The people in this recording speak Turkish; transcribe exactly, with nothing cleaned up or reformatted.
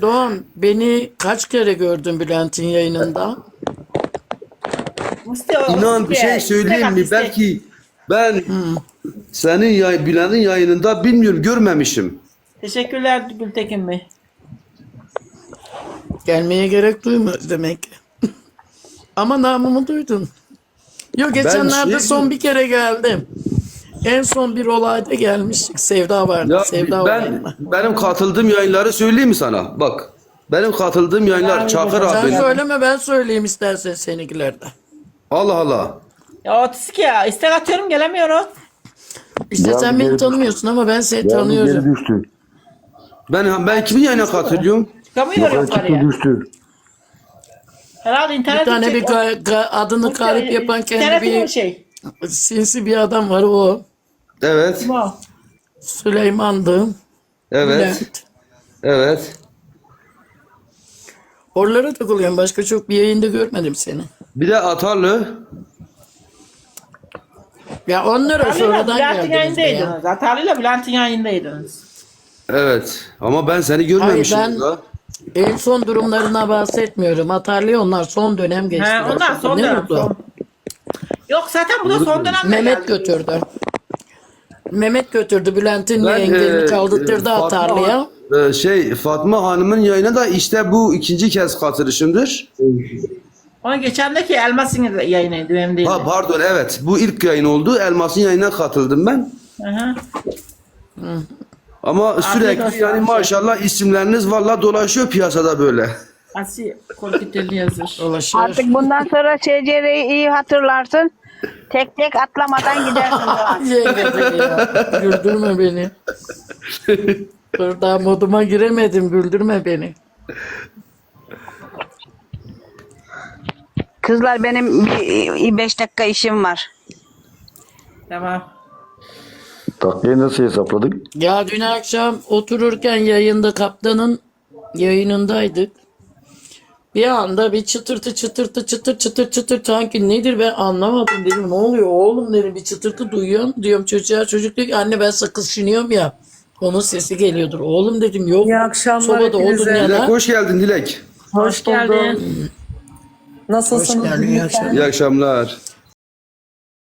Erdoğan, beni kaç kere gördün Bülent'in yayınında? Mustafa, İnan bir şey söyleyeyim mi? Belki ben senin yay, Bülent'in yayınında bilmiyorum, görmemişim. Teşekkürler Gültekin Bey. Gelmeye gerek duymaz demek ki. Ama namımı duydun. Yok geçenlerde şey- son bir kere geldim. En son bir olayda gelmiştik. Sevda vardı. Ya Sevda ben olayına. benim katıldığım yayınları söyleyeyim mi sana? Bak. Benim katıldığım yayınlar Çakır Sen abi. söyleme ben söyleyeyim istersen seninkilerden. Allah Allah. Ya otistik ya. İstek atıyorum gelemiyorum. İşte Ya sen bir beni geri- tanımıyorsun ama ben seni Yani tanıyorum. geri düştü. Ben ben kimin yayına katılıyorum? Çıkamıyorum Yukarı çıktı yukarıya. düştü. Herhalde Bir internet tane bir ga- ga- adını garip yapan kendi İnternetin bir şey. sinsi bir adam var o. Evet. Kim o? Süleyman'dı. Evet. Bülent. Evet. Oralara takılıyorum. Başka çok bir yayında görmedim seni. Bir de Atarlı. Ya onlara Atarlı'yla sonradan Bülent'in geldiniz be ya. yayındaydınız. Atarlı'yla Bülent'in yayındaydınız. Evet. Ama ben seni görmemişim Hayır, ben- burada. En son durumlarına bahsetmiyorum. Atarlı onlar son dönem geçti. He, onlar son Ne dönem. mutlu. Son. Yok zaten bu da son dönemde Mehmet geldi. götürdü. Mehmet götürdü. Bülent'in Ben, engelini e, kaldırttırdı e, Fatma Atarlı'ya. Han- e, şey Fatma Hanım'ın yayına da işte bu ikinci kez katılışımdır. Onun geçendeki Elmas'ın yayınıydı benim değil. Ha pardon, evet. Bu ilk yayın oldu. Elmas'ın yayına katıldım ben. Hı hı. Ama olsun. sürekli yani maşallah isimleriniz valla dolaşıyor piyasada böyle. Asi Kolkiteli yazır. Dolaşır. Artık bundan sonra S C R'yi iyi hatırlarsın. Tek tek atlamadan gidersin. Doğan. Yenge beni ya. Güldürme beni. Dur daha moduma giremedim. Güldürme beni. Kızlar benim bir beş dakika işim var. Tamam. Takviye nasıl hesapladık? Ya dün akşam otururken yayında kaptanın yayınındaydık. Bir anda bir çıtırtı çıtırtı çıtır çıtır çıtır sanki nedir ben anlamadım dedim. Ne oluyor oğlum dedim, bir çıtırtı duyuyorum diyorum çocuğa. Çocuk diyor ki anne ben sakız çiğniyorum ya. Onun sesi geliyordur. Oğlum dedim yok. İyi akşamlar Sobada odun hepinize. Dilek yana. hoş geldin Dilek. Hoş Hoş geldin. buldum. Nasılsınız? Hoş geldin, iyi akşamlar. İyi akşamlar.